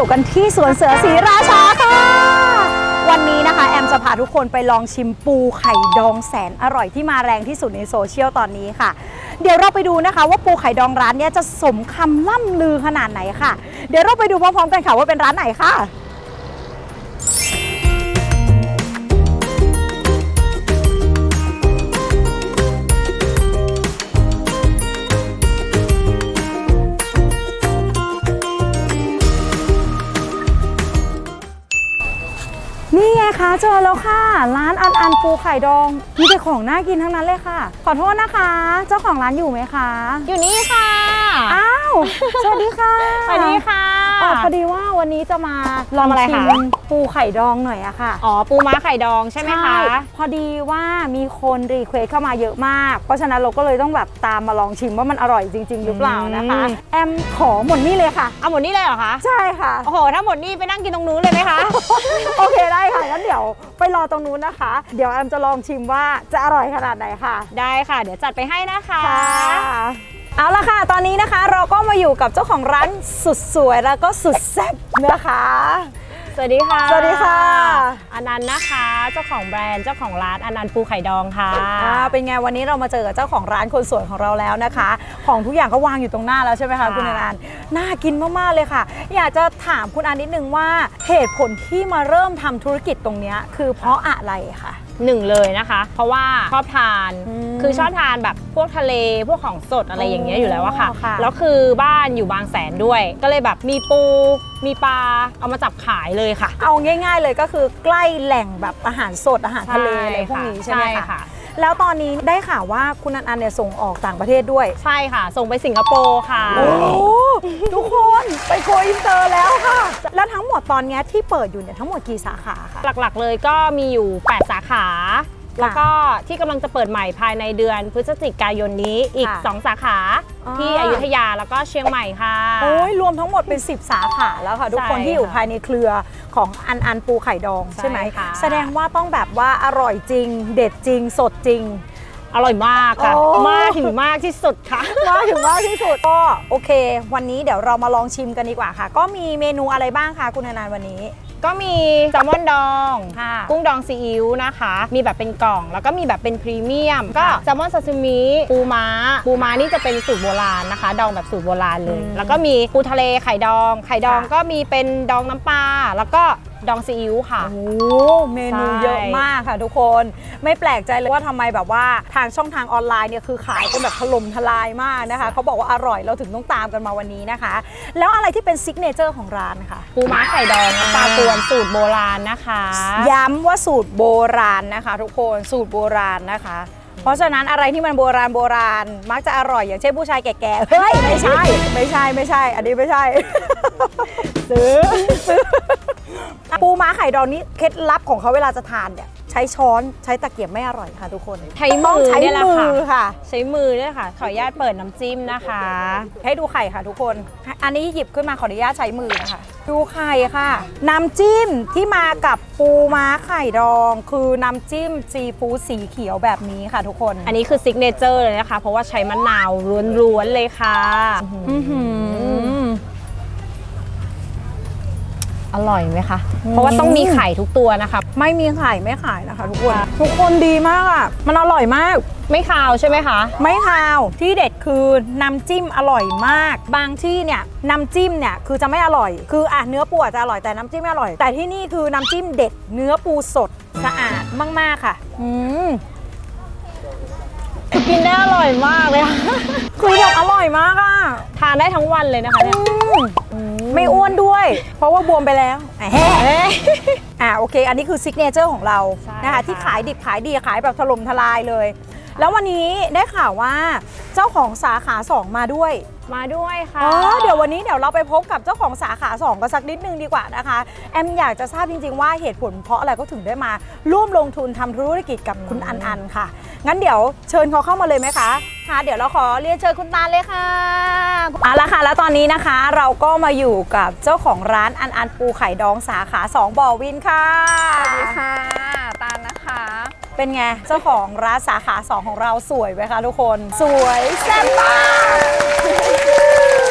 อยู่กันที่สวนเสือศรีราชาค่ะวันนี้นะคะแอมจะพาทุกคนไปลองชิมปูไข่ดองแสนอร่อยที่มาแรงที่สุดในโซเชียลตอนนี้ค่ะเดี๋ยวเราไปดูนะคะว่าปูไข่ดองร้านนี้จะสมคำล่ำลือขนาดไหนค่ะเดี๋ยวเราไปดูพร้อมๆกันค่ะว่าเป็นร้านไหนค่ะนี่ไงคะเจอแล้วค่ะร้านอันปูไข่ดองมีแต่ของน่ากินทั้งนั้นเลยค่ะขอโทษนะคะเจ้าของร้านอยู่ไหมคะอยู่นี่ค่ะอ้าวสวัสดีค่ะสวัสดีค่ะพอดีว่าวันนี้จะมาลองชิมปูไข่ดองหน่อยอะค่ะอ๋อปูม้าไข่ดองใช่ไหมคะพอดีว่ามีคนรีเควสเข้ามาเยอะมากเพราะฉะนั้นเราก็เลยต้องแบบตามมาลองชิมว่ามันอร่อยจริงๆหรือเปล่านะคะแอมขอหมดนี่เลยค่ะเอาหมดนี่เลยเหรอคะใช่ค่ะโอ้โหถ้าหมดนี่ไปนั่งกินตรงนู้นเลยไหมคะโอเคได้ค่ะงั้นเดี๋ยวไปรอตรงนู้นนะคะเดี๋ยวแอมจะลองชิมว่าจะอร่อยขนาดไหนค่ะได้ค่ะเดี๋ยวจัดไปให้นะคะเอาละค่ะตอนนี้นะคะเราก็มาอยู่กับเจ้าของร้านสุดสวยแล้วก็สุดแซ่บนะคะสวัสดีค่ะสวัสดีค่ะอนันต์นะคะเจ้าของแบรนด์เจ้าของร้านอนันต์ปูไข่ดองค่ะเป็นไงวันนี้เรามาเจอกับเจ้าของร้านคนสวยของเราแล้วนะคะของทุกอย่างก็วางอยู่ตรงหน้าแล้วใช่ไหมคะคุณอนันต์น่ากินมากๆเลยค่ะอยากจะถามคุณอนันต์นิดนึงว่าเหตุผลที่มาเริ่มทำธุรกิจตรงนี้คือเพราะอะไรคะหนึ่งเลยนะคะเพราะว่าชอบทานคือชอบทานแบบพวกทะเลพวกของสดอะไรอย่างเงี้ยอยู่แล้วอะค่ะแล้วคือบ้านอยู่บางแสนด้วยก็เลยแบบมีปูมีปลาเอามาจับขายเลยค่ะเอาง่ายๆเลยก็คือใกล้แหล่งแบบอาหารสดอาหารทะเลอะไรพวกนี้ใช่ไหมคะแล้วตอนนี้ได้ข่าวว่าคุณอันเนี่ยส่งออกต่างประเทศด้วยใช่ค่ะส่งไปสิงคโปร์ค่ะโอ้ทุกคนไปโกอินเตอร์แล้วค่ะแล้วทั้งหมดตอนนี้ที่เปิดอยู่เนี่ยทั้งหมดกี่สาขาคะหลักๆเลยก็มีอยู่8สาขาแล้วก็ที่กำลังจะเปิดใหม่ภายในเดือนพฤศจิกายนนี้อีก2สาขาที่อยุธยาแล้วก็เชียงใหม่ค่ะโอ้ยรวมทั้งหมดเป็น10สาขาแล้วค่ะทุกคนที่อยู่ภายในเครือของอันปูไข่ดองใช่ไหมแสดงว่าต้องแบบว่าอร่อยจริงเด็ดจริงสดจริงอร่อยมากค่ะมากถึงมากที่สุดค่ะมากถึงมากที่สุดก็โอเควันนี้เดี๋ยวเรามาลองชิมกันดีกว่าค่ะก็มีเมนูอะไรบ้างคะคุณอนันต์วันนี้ก็มีแซลมอนดองกุ้งดองซีอิ๊วนะคะมีแบบเป็นกล่องแล้วก็มีแบบเป็นพรีเมียมก็แซลมอนซาซิมิปูม้านี่จะเป็นสูตรโบราณนะคะดองแบบสูตรโบราณเลยแล้วก็มีปูทะเลไข่ดองก็มีเป็นดองน้ำปลาแล้วก็ดองซีอิ๊วค่ะโอ้เมนูเยอะมากค่ะทุกคนไม่แปลกใจเลยว่าทำไมแบบว่าทางช่องทางออนไลน์เนี่ยคือขายกันแบบถล่มทลายมากนะคะเขาบอกว่าอร่อยเราถึงต้องตามกันมาวันนี้นะคะแล้วอะไรที่เป็นซิกเนเจอร์ของร้านค่ะปูม้าไข่ดองน้ำปลากวนสูตรโบราณนะคะย้ำว่าสูตรโบราณนะคะทุกคนสูตรโบราณนะคะเพราะฉะนั้นอะไรที่มันโบราณมักจะอร่อยอย่างเช่นผู้ชายแก่ๆเฮ้ยไม่ใช่อันนี้ไม่ใช่ซื้อปูม้าไข่ดองนี้เคล็ดลับของเขาเวลาจะทานเนี่ยใช้ช้อนใช้ตะเกียบไม่อร่อยค่ะทุกคนใช้มือนี่แหละค่ะใช้มือนี่ค่ะขออนุญาตเปิดน้ำจิ้มนะคะให้ดูไข่ค่ะทุกคนอันนี้หยิบขึ้นมาขออนุญาตใช้มือนะคะดูไข่ค่ะน้ำจิ้มที่มากับปูม้าไข่ดองคือน้ำจิ้มซีฟู้ดสีเขียวแบบนี้ค่ะทุกคนอันนี้คือซิกเนเจอร์เลยนะคะเพราะว่าใช้มะนาวล้วนๆเลยค่ะอร่อยไหมคะเพราะว่าต้องมีไข่ทุกตัวนะคะไม่มีไข่ไม่ขายนะคะทุกคนดีมากอ่ะมันอร่อยมากไม่คาวใช่ไหมคะไม่คาวที่เด็ดคือน้ำจิ้มอร่อยมากบางที่เนี่ยน้ำจิ้มเนี่ยคือจะไม่อร่อยคือเนื้อปูจะอร่อยแต่น้ำจิ้มไม่อร่อยแต่ที่นี่คือน้ำจิ้มเด็ดเนื้อปูสดสะอาดมากๆค่ะกินได้อร่อยมากเลยค่ะคือแบบอร่อยมากอ่ะทานได้ทั้งวันเลยนะคะเนี่ยไม่อ้วนด้วยเพราะว่าบวมไปแล้วโอเคอันนี้คือซิกเนเจอร์ของเรานะคะที่ขายดิบขายดีขายแบบถล่มทลายเลยแล้ววันนี้ได้ข่าวว่าเจ้าของสาขา2มาด้วยค่ะเดี๋ยววันนี้เราไปพบกับเจ้าของสาขา2กันสักนิดนึงดีกว่านะคะแอมอยากจะทราบจริงๆว่าเหตุผลเพราะอะไรก็ถึงได้มาร่วมลงทุนทำธุรกิจกับคุณอันค่ะงั้นเดี๋ยวเชิญเขาเข้ามาเลยไหมคะค่ะเดี๋ยวเราขอเรียนเชิญคุณตาลเลยค่ะเอาละค่ะแล้วตอนนี้นะคะเราก็มาอยู่กับเจ้าของร้านอันปูไข่ดองสาขา2บ่อวินค่ะสวัสดีค่ะตาลนะคะเป็นไงเจ้าของร้านสาขา2ของเราสวยไหมคะทุกคนสวยแซ่บมากค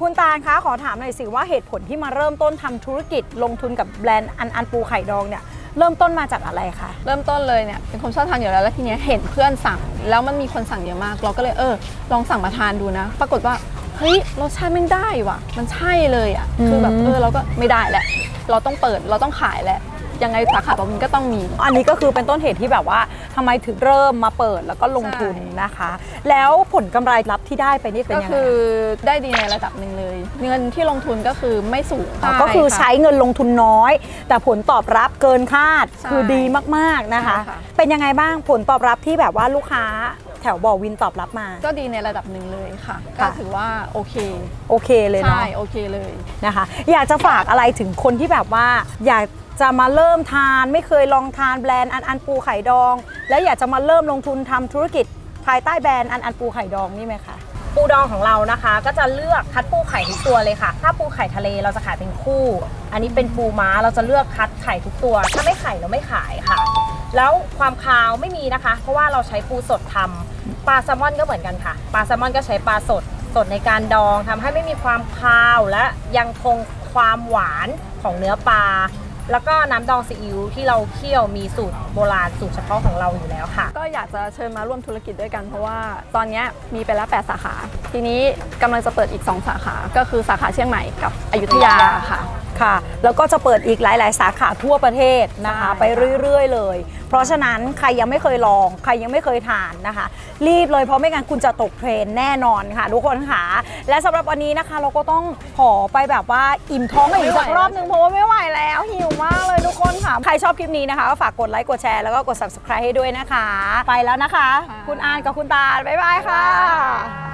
คุณตาลคะขอถามหน่อยสิว่าเหตุผลที่มาเริ่มต้นทำธุรกิจลงทุนกับแบรนด์อันปูไข่ดองเนี่ยเริ่มต้นมาจากอะไรคะเริ่มต้นเลยเนี่ยเป็นคนชอบทานอยู่แล้วแล้วทีเนี้ยเห็นเพื่อนสั่งแล้วมันมีคนสั่งเยอะมาก เราก็เลยลองสั่งมาทานดูนะ ปรากฏว่าเฮ้ยรสชาติมันได้ว่ะมันใช่เลยอ่ะคือแบบเราก็ไม่ได้แหละเราต้องเปิดเราต้องขายแหละยังไงสาขาต่อไปก็ต้องมีอันนี้ก็คือเป็นต้นเหตุที่แบบว่าทำไมถึงเริ่มมาเปิดแล้วก็ลงทุนนะคะ แล้วผลกำไรลับที่ได้ไปนี่เป็นก็ยังไงคือได้ดีในระดับหนึ่งเลย เงินที่ลงทุนก็คือไม่สูงก็คือใช้เงินลงทุนน้อย แต่ผลตอบรับเกินคาดใช่คือดีมากๆนะคะใช่ค่ะเป็นยังไงบ้างผลตอบรับที่แบบว่าลูกค้าแถวบ่อวินตอบรับมาก็ดีในระดับหนึ่งเลยค่ะ ก็ถือว่าโอเคโอเคเลยเนาะใช่โอเคเลยนะคะ อยากจะฝากอะไรถึงคนที่แบบว่าอยากจะมาเริ่มทานไม่เคยลองทานแบรนด์อันปูไข่ดอง แล้วอยากจะมาเริ่มลงทุนทำธุรกิจภายใต้แบรนด์อันปูไข่ดองนี่ไหมคะปูดองของเรานะคะก็จะเลือกคัดปูไข่ทุกตัวเลยค่ะถ้าปูไข่ทะเลเราจะขายเป็นคู่ อันนี้เป็นปูม้าเราจะเลือกคัดไข่ทุกตัว ถ้าไม่ไข่เราไม่ขายค่ะ แล้วความคาวไม่มีนะคะ เพราะว่าเราใช้ปูสดทำปลาแซลมอนก็เหมือนกันค่ะปลาแซลมอนก็ใช้ปลาสดในการดองทำให้ไม่มีความคาวและยังคงความหวานของเนื้อปลาแล้วก็น้ำดองซีอิ๊วที่เราเคี่ยวมีสูตรโบราณสูตรเฉพาะของเราอยู่แล้วค่ะก็อยากจะเชิญมาร่วมธุรกิจด้วยกันเพราะว่าตอนนี้มีไปแล้ว8สาขา ทีนี้กำลังจะเปิดอีก2สาขาก็คือสาขาเชียงใหม่กับอยุธยาค่ะค่ะแล้วก็จะเปิดอีกหลาย ๆ สาขาทั่วประเทศนะคะใช่ไปเรื่อย ๆ เลย เพราะฉะนั้นใครยังไม่เคยลองใครยังไม่เคยทานนะคะ รีบเลยเพราะไม่งั้นคุณจะตกเทรนด์แน่นอนค่ะทุกคนค่ะและสำหรับวันนี้นะคะเราก็ต้องขอไปแบบว่าอิ่มท้องกันอีกสักรอบนึงเพราะว่าไม่ไหวแล้วหิวมากเลยทุกคนค่ะใครชอบคลิปนี้นะคะก็ฝากกดไลค์กดแชร์แล้วก็กด subscribe ให้ด้วยนะคะ ไปแล้วนะคะ คุณอานกับคุณตาลบ๊ายบายค่ะ